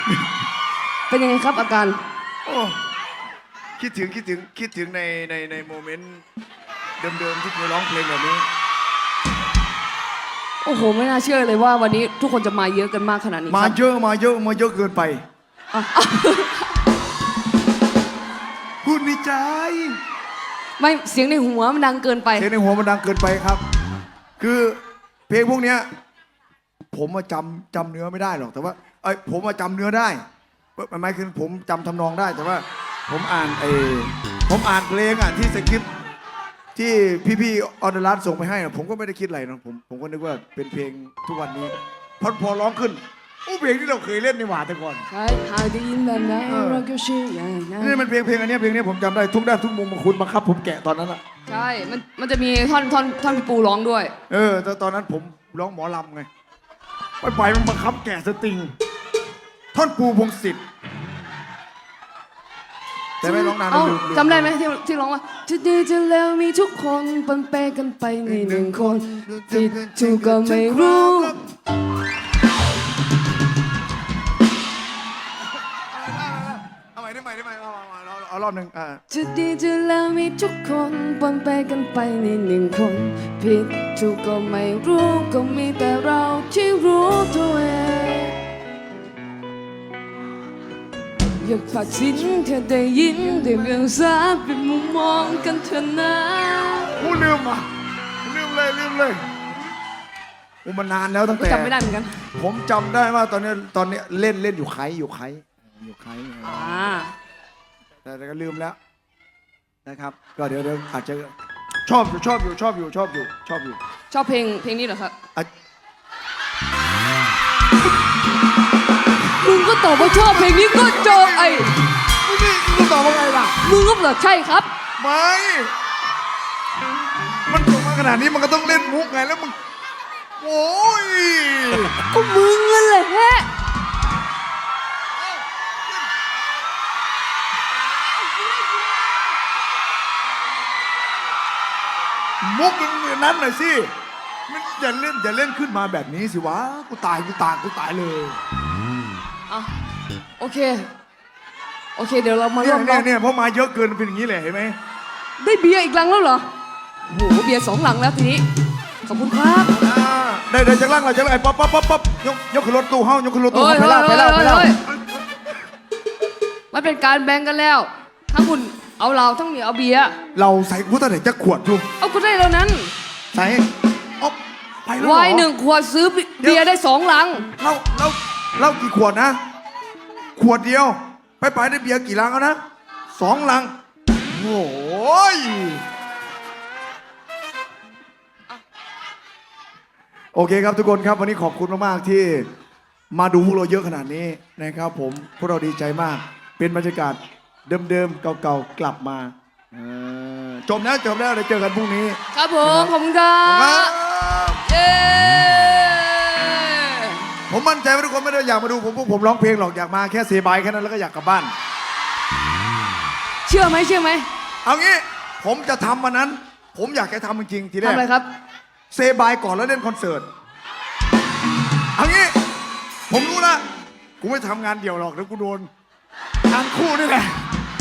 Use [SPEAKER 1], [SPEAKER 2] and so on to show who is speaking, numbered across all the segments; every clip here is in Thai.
[SPEAKER 1] เป็นยังไงครับอาการ
[SPEAKER 2] โอ้คิดถึงในโมเมนต์เดิมๆที่เคยร้องเพลงแบบนี้
[SPEAKER 1] โอ้โหไม่น่าเชื่อเลยว่าวันนี้ทุกคนจะมาเยอะกันมากขนาดนี้
[SPEAKER 2] มาเยอะเกินไปพูดในใจ
[SPEAKER 1] ไม่เสียงในหัวมันดังเกินไป
[SPEAKER 2] เสียงในหัวมันดังเกินไปครับคือเพลงพวกเนี้ยผมมาจำเนื้อไม่ได้หรอกแต่ว่าผมมาจำเนื้อได้หมายคือผมจำทำนองได้แต่ว่าผมอ่านเพลงที่สคริปต์ที่พี่ออนไลน์ส่งไปให้นะผมก็ไม่ได้คิดอะไรนะผมก็นึกว่าเป็นเพลงทุกวันนี้พอร้องขึ้นเพลงที่เราเคยเล่นในหว่าแต่ก่อน
[SPEAKER 1] ใช่หากได้ยินแบบนั้นเราก็เชื่ออย่างนั้น
[SPEAKER 2] นี่มันเพลงอันนี้ผมจำได้ทุกด้านทุกมุมมาคุณมาครับผมแกะตอนนั้นอ่ะ
[SPEAKER 1] ใช่มันจะมีท่อนพี่ปูร้องด้วย
[SPEAKER 2] แต่ตอนนั้นผมร้องหมอลำไงไปมันบังคับแกะสตริงท่อนปูพงศิษฐ์แต่ไม่ร้องนานลืม
[SPEAKER 1] จำได้ไหมที่ร้องว่าจะดีจะเลวมีทุกคนปนเปกันไปในหนึ่งคนผิดถูกก็ไม่รู้
[SPEAKER 2] เอาใหม่ได้ไหมเอารอบหนึ่ง
[SPEAKER 1] จะดีจะเลวมีทุกคนปนเปกันไปในหนึ่งคนผิดถูกก็ไม่รู้ก็มีแต่เราที่รู้ตัวเองอยากฝากสิ้นแค่ได้ยินได้เรื่องสาเป็นมุมมองกันเถอะนะ
[SPEAKER 2] ลืมเลยมันนานแล้วตั้งแต่
[SPEAKER 1] จำไม่ได้เหมือนกัน
[SPEAKER 2] ผมจำได้ว่าตอนนี้เล่นอยู่ไคแต่ก็ลืมแล้วนะครับก็เดี๋ยวอาจจะชอบ
[SPEAKER 1] เพลงนี้เหรอครับมึงก็ตอบว่าชอบเพลงนี้ก็จบ
[SPEAKER 2] มึงตอบว่าไงล่ะ
[SPEAKER 1] มึงก็บอกใช่ครับ
[SPEAKER 2] ไม่มันจบมาขนาดนี้มันก็ต้องเล่นมุกไงแล้วมึงโอ้ย
[SPEAKER 1] ก็มึงนั่นแหละ
[SPEAKER 2] มุกนั้นหน่อยสิมันอย่าเล่นขึ้นมาแบบนี้สิวะกูตายเลย
[SPEAKER 1] โอเคเดี๋ยวเรามาร่วมร้อง
[SPEAKER 2] เนี่ยเพราะมาเยอะเกินเป็นอย่างนี้เลยเห็นไหม
[SPEAKER 1] ได้เบียร์อีกลังแล้วเหรอโหเบียร์2 ลังแล้วทีนี้ขอบคุณครับ
[SPEAKER 2] ได้จากลังเราจะไอ้ป๊อปยกขึ้นรถตู้เฮ้ายกขึ้นรถตู้ไปแล้ว
[SPEAKER 1] มันเป็นการแบ่งกันแล้วทั้งคุณเอาเราทั้งเหนียวเอาเบียร์
[SPEAKER 2] เราใส่กูตั้งแต่จะขวดดู
[SPEAKER 1] เอาก็ได้แล้วนั้น
[SPEAKER 2] ใส่ไปแล้ว
[SPEAKER 1] วาย1 ขวดซื้อเบียร์ได้2 ลัง
[SPEAKER 2] เรากี่ขวดนะขวดเดียวไปได้เบียร์กี่ลังแล้วนะ2 ลังโอ้ยโอเคครับทุกคนครับวันนี้ขอบคุณมากๆที่มาดูพวกเราเยอะขนาดนี้นะครับผมพวกเราดีใจมากเป็นบรรยากาศเดิมๆเก่าๆกลับมาจบแล้วเดี๋ยวเจอกันพรุ่งนี้
[SPEAKER 1] ครับผมขอบคุณครับ
[SPEAKER 2] ผมมั่นใจว่าทุกคนไม่ได้อยากมาดูผมร้องเพลงหรอกอยากมาแค่เซบายแค่นั้นแล้วก็อยากกลับบ้าน
[SPEAKER 1] เชื่อไหม
[SPEAKER 2] เอางี้ผมจะทำวันนั้นผมอยากจะทำจริงๆทีแรก
[SPEAKER 1] ทำอะไรครับ
[SPEAKER 2] เซบายก่อนแล้วเล่นคอนเสิร์ตเอางี้ผมรู้ละกูไม่ทำงานเดี่ยวหรอกเดี๋ยวกูโดนงานคู่นี่แหละ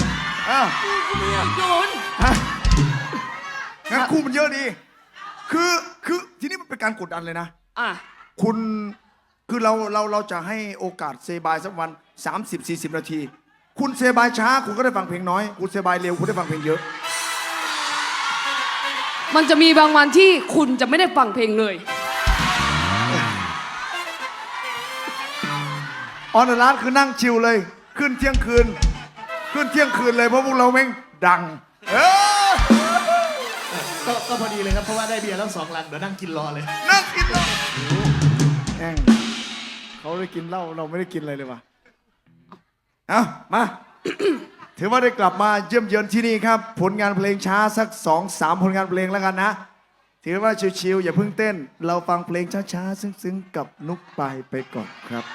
[SPEAKER 1] โดน
[SPEAKER 2] งานคู่มันเยอะดีคือทีนี้มันเป็นการกดดันเลยนะคุณคือเราจะให้โอกาสเซบายสักวัน 30-40 นาทีคุณเซบายช้าคุณก็ได้ฟังเพลงน้อยคุณเซบายเร็วคุณได้ฟังเพลงเยอะ
[SPEAKER 1] มันจะมีบางวันที่คุณจะไม่ได้ฟังเพลงเลย
[SPEAKER 2] ออนไลน์คือนั่งชิลเลยขึ้นเที่ยงคืนเลยเพราะพวกเราแม่งดัง
[SPEAKER 3] ก็พอดีเลยครับเพราะว่าได้เบียร์แล้ว2 ลังเดี๋ยวนั่งกินรอเลย
[SPEAKER 2] นั่งกินเหล้าเขาได้กินเหล้าเราไม่ได้กินอะไรเลยว่ะเอามาถือว่าได้กลับมาเยี่ยมเยือนที่นี่ครับผลงานเพลงช้าสัก 2-3 ผลงานเพลงแล้วกันนะถือว่าชิวๆอย่าเพิ่งเต้นเราฟังเพลงช้าๆซึ้งๆกับนุกปายไปก่อนครับ